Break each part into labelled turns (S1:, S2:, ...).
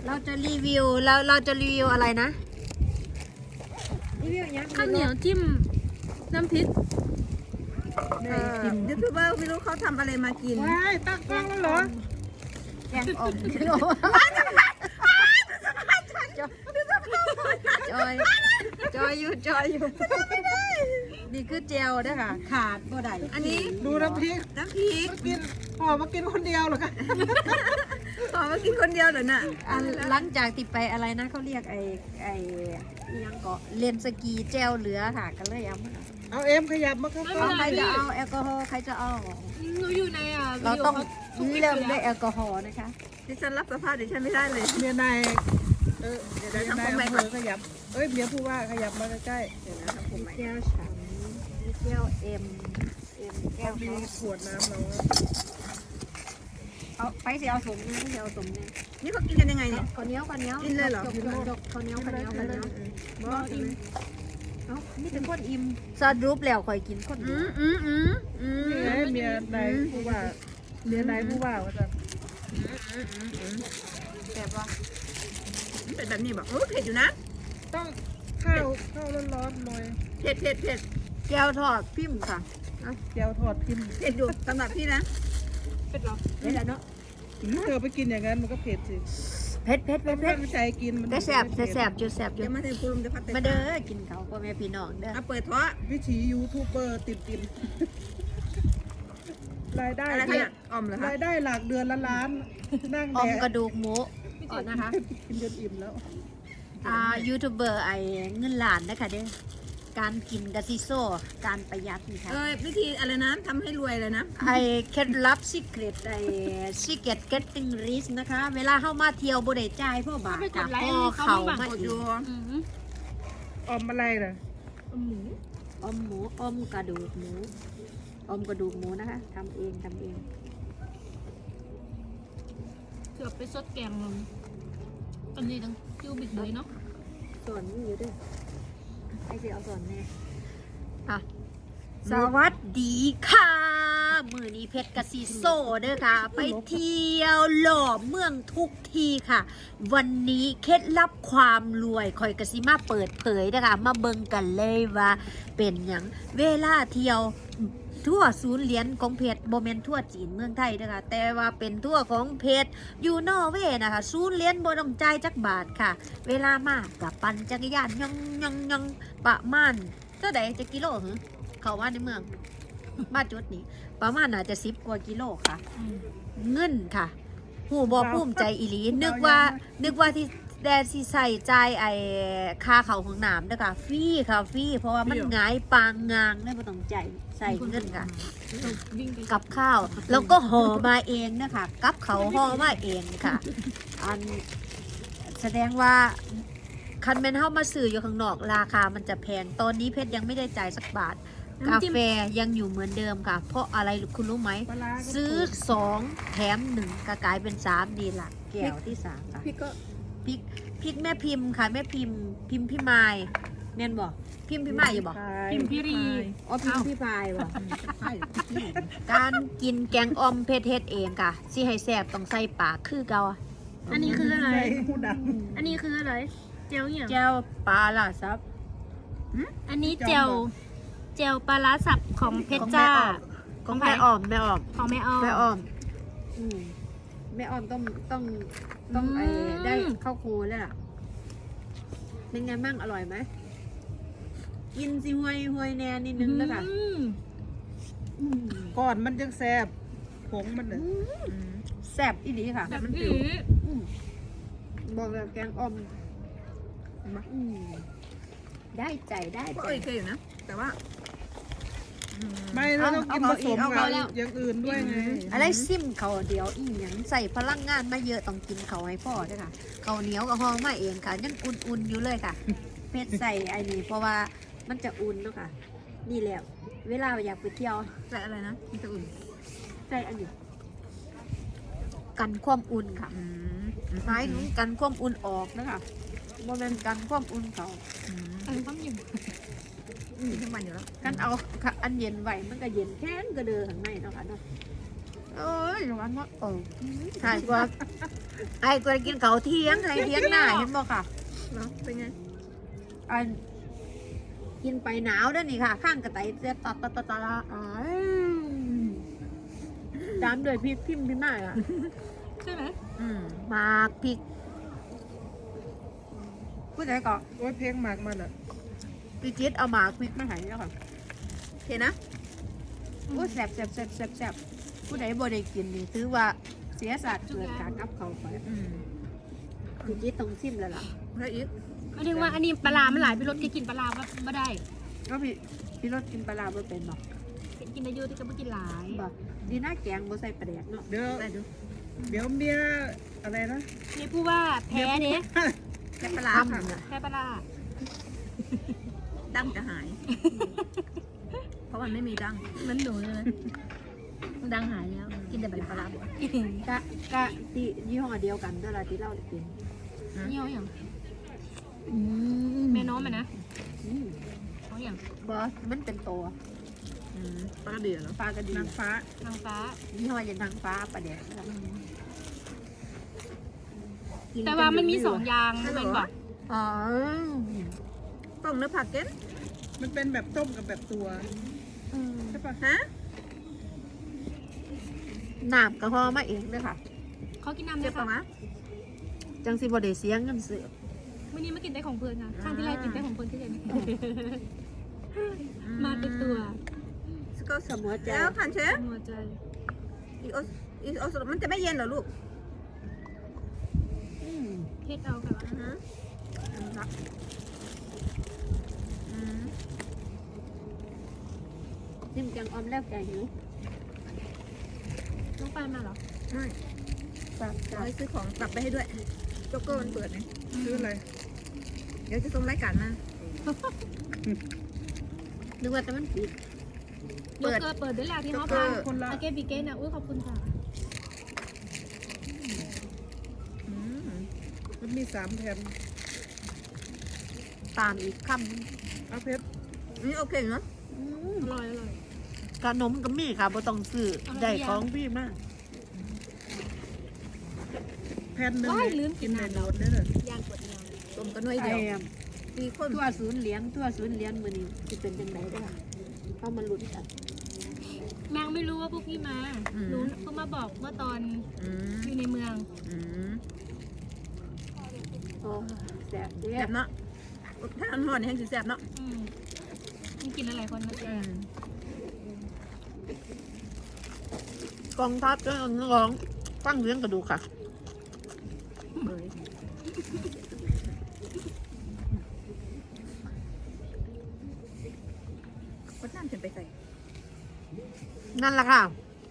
S1: เราจะรีวิวเราจะรีวิวอะไรนะรีวิวยัง
S2: ข้าวเหนียวจิ้มน้ำพริก
S3: ยูทูบเบอร์ไม่รู้เขาทำอะไรมากิน
S4: ว้ายตั้งกล้องแล้วเหรอ
S1: แกงอ่อมจอยอยู่นี่คือเจลด้วยค่ะขาดบ่ได้
S3: อันนี้
S4: ดูน้ำพริก
S3: น้ำพริก
S4: กินห่อมากินคนเดียวเหรอคะ
S3: ขอมากินคนเดียวเหรอน่ะ
S1: หลังจากติดไปอะไรนะเขาเรียกไอ้ยังเกาะเลนสกีเจลเหลือค่ะก็เลยเอามา
S4: เอาเอ็มขยับมาข้าง
S1: ใครจะเอาแอลกอฮอล์ใครจะเอา
S2: หนูอยู่ใน
S1: เราต้อง
S2: วิดีโ
S1: เริ่มด้วยแอลกอฮอล์นะคะ
S3: ดิฉันรับสภาพดิฉันไม่ได้เลย
S4: เมียนายเมียนายอำเภอขยับเมียผู้ว่าขยับมาใกล้
S3: เดี๋ยวนะทำผมใหม่
S1: แก้วฉันแก้วเอ็มแก้ว
S4: ๆมีขวดน้ำเรา
S1: เอาไปสิเอาสมเนี่ยไม่เอาสมเนี่ย
S3: นี่เขากินกันยังไงเนี่ย
S1: ข้าวเหนียว
S3: กินเลยเหรอ
S1: ข้าวเหนียวข้าวเหนียวข้าวเหนียว
S3: บอก
S1: เอ้านี่เป็นคนอิ่มซอสรูปแล้วคอยกินคนเดียว
S4: นี่ไงเมียนายผู้ว่าเมียนายผู้ว่าว่าจะ
S1: แบบว่า
S3: เป็นแบบนี้บอกเผ็ดอยู่นะ
S4: ต้องข้าวร้อนๆหน่อย
S3: เผ็ด
S1: แก้วทอดพิมพ์ค่ะ
S4: แก้วทอดพิมพ์
S3: เผ็ดอยู่สำหรับพี่นะ
S2: เป็ดหรอ
S1: นี่แหละเนาะ
S4: เธอไปกินอย่างนั้นมันก็เผ็ดสิ
S1: เผ็ด
S4: ตั้งใจกินมัน
S1: แต่แสบจุดแสบจุ
S3: เดี๋
S1: ด
S3: ยวมาถึงคุณลุงจะพัด
S1: มาเด้อกินเขาพ่อแม่พี่น้องเด้อ
S3: เอาเปิดท้อ
S4: วิถียูทูบเบอร์ติดรายได้
S3: อะไรคะออมเหรอคะ
S4: รายได้หลักเดือนละล้านนั่ง
S1: ออ
S4: แด
S1: ม
S4: ก
S1: กระดูกหมูก่อนนะคะ
S4: กินจนอิ่มแล้ว
S1: ยูทูบเบอร์ไอ้เงินล้านนะคะเด้อการกินกะซิโซ่การประหยัดนี่ค่ะ
S3: วิธีอะไรนะทำให้รวยเลยนะ
S1: ไอ้เคล็ดลับซิกเรตไอ้ซิกเก็ตเก็ตติ้งริสนะคะ เวลาเข้ามาเที่ยวบ่ได้จ่ายพ่อบาทค่ะพ่อเขามา
S3: กด
S1: อี
S3: อยู่
S1: ก
S4: ออมอะไรน่ะ
S2: หมู
S1: อมหมูอมกระดูกหมูอมกระดูกหมูนะคะทำเอง
S2: เกือบไปซดแกงอันนี้ต้องจิ้วบิดเลยเนาะ
S1: สอนนี่อยู่ด้วยไอ้สิเอาสอนแน่อ่ะสวัสดีค่ะมือนี้เพชรกะซีโซเด้อค่ะ ไปเที่ยวหล่อเมืองทุกทีค่ะ วันนี้เคล็ดลับความรวยคอยกะซิมาเปิดเผยนะคะมาเบิ่งกันเลยว่าเป็นหยังเวลาเที่ยวทั่วศูนย์เหรียญของเพชรโบเมนทั่วจีนเมืองไทยนะคะแต่ว่าเป็นทั่วของเพชรอยู่นอร์เวย์นะคะศูนย์เหรียญโบต้องจ่ายจักบาทค่ะ เวลามากับปั่นจักรยานยองประมาณเท่าใดจะกิโลหรือเขาว่าในเมืองมาจุดนี้ประมาณน่าจะ10 กว่ากิโลค่ะ เงินค่ะหูบอภูมิใจอีหลีนึกว่าที่แดนที่ใส่ใจไอ้ค่าเขาของน้ำนะคะฟรีค่ะฟรีเพราะว่ามันง่ายปางงางได้ไม่ต้องใจใส่เงินค่ะ
S2: วิ่งไป
S1: กับข้าวแล้วก็ห่อมาเองนะคะกับเขาห่อมาเองค่ะ อันแสดงว่าคันแมนเฮามาซื้ออยู่ข้างนอกราคามันจะแพงตอนนี้เพชรยังไม่ได้จ่ายสักบาท กาแฟยังอยู่เหมือนเดิมค่ะ เพราะอะไรคุณรู้ไหม
S4: ปลาร้าก็
S1: ซื้อ2 แถม 1ก็กลายเป็น3ดีละแก้วที่3ค่ะ
S3: พี่ก็
S1: พริกแม่พิมพ์ค่ะแม่พิมพ์พี่ไมายแม่นบอกพิมพ์พี่ไมายอยู่บอก
S2: พิมพ์พิรี
S1: อ๋อพิมพ์พี่พายบอกการกินแกงอ่อมเพชรเฮ็ดเองค่ะสิให้แซ่บต้องใส่ปากคือเก่าอะ
S2: อันนี้คืออะไร
S4: ใส่หูดัง
S2: อันนี้คืออะไร เจลอย่าง
S1: แก้วปลาล่ะซับ
S2: อันนี้เจลปลาร้าสับของเพชรจ้า
S1: ของแม่อ่อม
S2: ของแม่อ้อม
S1: แม่อ่อมแม่อ่อมต้องไอ้ได้ข้าวโคแล้วล่ะเป็นไงบ้างอร่อยไหมกินสิห่วยแน่นิดนึงแล้วค่ะ
S4: ก่อนมันยังแซ่บผงมันน่ะ
S1: แซ่บอีหลีค่ะ
S2: แบบ
S3: มัน
S2: นี้
S3: ผิว
S1: บอกเลยแกงอ่อมได้ใจ
S3: ก็เคยอยู่นะ แต่ว่า
S4: ไม่เราต้องกินผสมกับอย่างอื่นด้วยไง
S1: อะไรซิมเขาเดียวอีหยังใส่พลังงานมาเยอะต้องกินเขาให้พ่อด้วยค่ะเขาวเหนียวกับห้องมาเองค่ะยังอุ่นๆอยู่เลยค่ะ เพชรใส่ไอ้นี่เพราะว่ามันจะอุ่นเนาะค่ะ นี่แหละเวลาอยากไปเที่ยว
S3: ใส่อะไรนะมันจะอุ่น
S1: ใส่อันนี้กันความอุ่นค่ะหมายถึงกันความอุ่นออกนะคะโมเมนกันความอุ่นเขา
S2: อันนี้ความอยู่
S3: ทั้งวันอยู่แล้ว
S1: กันเอาอันเย็นไหวมันก็เย็นแค่นก็เดือข้างในเนาะค่ะเนาะเอ้ยวันว่าใช่กว่าไอ้กว่ากินเขาเที่ยงอะไรเที่ยงหน้าเห็นบ่ค่ะ
S3: เนาะเป็นไง
S1: อันกินไปหนาวด้วยนี่ค่ะ ข้างกระต่ายเสียตัดตามด้วยพริกพิมพ์พี่มากอ่ะ
S2: ใช่ไหม
S1: หมากพริกพูดไหนก่อน
S4: โอ้ยเพลงหมากมันอ่ะ
S1: พี่จิ๊ดเอาหมากพริกมาให้แล้วค่ะ
S3: โอเคนะ
S1: โอ้แซ่บผู้ใดบ่ได้กินนี่ถือว่าเสียสัตว์เกิดการกับเขาไปพี่จิ๊ดต้องซิมแล้วล่ะ
S3: แล้วอีก
S2: หมายถึงว่าอันนี้ปลาร้ามันหลายพี่รถที่กินปลาร้าไม่ได้
S1: ก็พี่รสกินปลาร้าบ่เป็นบ่
S2: กินได้เยอะที่ก็ไม่กินหลาย
S1: บ่ดีน่าแกงบ่ใส่ปลาแดกเนาะ
S4: เดี๋ยว
S3: ได้ดู
S4: เดี๋ยวเมียอะไรนะ
S2: นี่พูดว่าแพ้เนี่ย
S3: แค่ปลาร้าค่ะ
S1: ทำน่ะ
S2: แพ้ปลาร้า
S3: ดั้งจะหาย เพราะมันไม่มีดั้ง
S2: มันหนูเลยนะดังหายแล้วกินแต่ปลาร้าก
S1: ะที่ยี่ห้อเดียวกันเวลาที่เรากิน
S2: นี่เอาอย่างแม่น้องมันนะเอาอย่าง
S1: บอสมันเป็นตัว
S3: ปลากระเดือเหรอ
S1: ปลากระดี
S4: นางฟ้า
S2: นางฟ้า
S1: ยี่ห้อยันทางฟ้าปลาแดกนะครับกิ
S2: แต่ว่ามันมี
S1: เป็
S2: สองอย่างนะแม่บอก
S1: อ๋อ
S3: ต้มเนื้อผักเก็น
S4: มันเป็นแบบต้มกับแบบตัวใช่ปะ
S3: ฮะ
S1: น้ำกระห้อมาเองเลยค่ะ
S2: เขากินน้ำ
S3: เจ็
S2: ด้
S3: บ
S2: วย
S3: ปะ
S2: ค่ะ
S3: มะ
S1: จังสิบไดเสียงเงินเสือ
S2: วันนี้มากินแต่ของเพื่อนค่ะข้างที่ไรกินแต่ของเพื่อนที่เรียนมาเป็นตัว
S3: สก็
S1: เสมอใจ
S3: แล้วผ่านเชฟ
S2: หัวใจ
S3: อีโอมันจะไม่เย็นเหรอลูก
S1: อืม
S2: เฮ็ดเอาค่ะ
S1: จิ้มแกงออมแล้วแกงหิว
S2: ต้องไปมาเหรอ
S3: ไม่
S1: จับ
S3: เอาไปซื้อของกลับไปให้ด้วยโจ๊กเกอร์มันเปิดไง
S4: ซื้ออะไร
S3: เดี๋ยวจะส่งรายการมา
S1: นึกว่าแต่มันปิด
S2: เปิดเปิดด้วยแหละที่เขาพาอาเกบิเกนอ่ะอุ้ยขอบคุณค่ะ
S4: มันมี3แผ่น
S1: ตามอีกค
S4: เอาเพชร
S3: นี่โอเคเนาะ
S1: ำ
S2: อร่อยอร่อย
S1: ขนมก็มีค่ะบ่ต้องซื้อได้ของพี่มาก
S4: แผ่นหนึง
S2: ว้ายลืม
S4: กิ
S2: กิ
S4: น
S2: น
S4: ใน
S2: น้ำ
S4: โด
S2: แล้ว
S4: นได้เลย
S2: ย่างกดเดียว
S3: ต้มกันหน่วยเดียวมีคน
S1: ตัวศูนย์เหรียญมือนี้จะเป็นจังไดได้อเข้ามาลุ้นกัน
S2: แมงไม่รู้ว่าพวกพี่มารู้เพิ่งมาบอกเมื่อตอนอยู่ในเมือง
S1: โอ้แซ่บเด้
S3: แซ่บเนาะถ้าอันห่อนนี่แห้งสิแซ่บเนาะ
S2: มันกินหลายคนนะเจ๊
S1: กองทัพเรื่องร้องฟังเรื่องกระดูกค่ะ
S3: ก็น้ำฉันไปใส่
S1: นั่นแหละค่ะ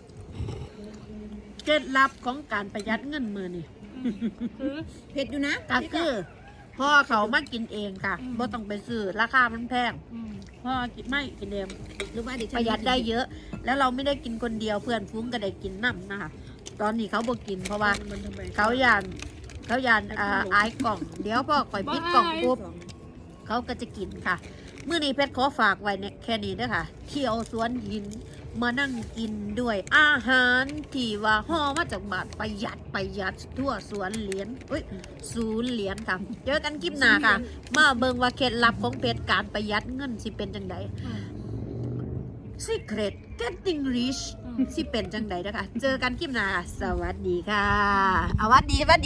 S1: เคล็ดลับของการประหยัดเงินมือนี่
S2: คือ
S3: เผ็ดอยู่นะ
S1: ก็คือพ่อเขามากินเองค่ะบ่ต้องไปซื้อราคามันแพงพ่อกินไม่กินเอง
S3: หรือว่าเด็ก
S1: ประหยัดได้เยอะ แล้วเราไม่ได้กินคนเดียวเพื่อนฟุ้งก็ได้กินน้ำนะคะ ตอนนี้เขาบ่กินเพราะว่า
S4: มันทำไม
S1: เขายานอายกล่อง เดี๋ยวพ่อคอยปิดกล่องปุ๊บเขาก็จะกินค่ะมื้อนี้เพชรขอฝากไว้เนี่ยแค่นี้เด้อค่ะเที่ยวสวนหินมานั่งกินด้วยอาหารที่ว่าห่อมาจากบาทประหยัดทั่วสวนเหรียญศูนย์เหรียญค่ะเจอกันคลิปหน้าค่ะ มาเบิ่งว่าเคล็ดลับของเพชรการประหยัดเงินสิเป็นจังได Secret Getting Rich สิเป็นจังไดนะคะเจอกันคลิปหน้าค่ะสวัสดีค่ะเอาวัดดี
S2: กด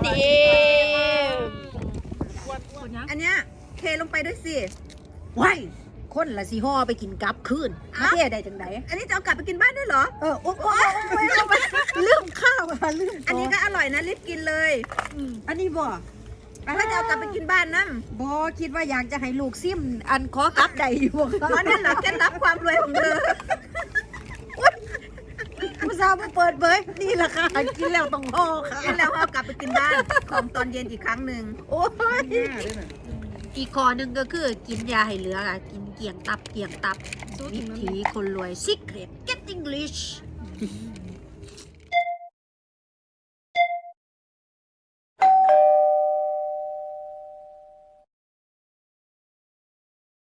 S2: ยัง
S3: อันเนี้ยเทลงไปด้วยสิ
S1: ว้ายคนละสิห่อไปกินกลับคืนมาเทได้จังได
S3: อันนี้จะเอากลับไปกินบ้านด้วยเหรอ
S1: โอ้ลืมข้าวค่ะลืม
S3: อันนี้ก็อร่อยนะรีบกินเลย
S1: อันนี้บ่
S3: ถ้าจะเอากลับไปกินบ้านนั่น
S1: บ่คิดว่าอยากจะให้ลูกซิมอันขอกลับได้อยู่ค่ะ
S3: อันนั้นเหรอเคล็ดลับความรวยของเธอ
S1: ผู้สาวมาเปิดเผยนี่แหละค่ะกินแล้วต้องห่อค่ะ
S3: กินแล้วเอากลับไปกินบ้านของตอนเย็นอีกครั้งหนึ่ง
S1: โอ้ย
S4: หน้าด้วยน่ะ
S1: อีกข้อหนึ่งก็คือกินยาให้เหลือค่ะกินเกี่ยงตับ
S2: สู้
S1: วิ
S2: ถึงแล้ว
S1: ถีคนรวย Secret Getting Rich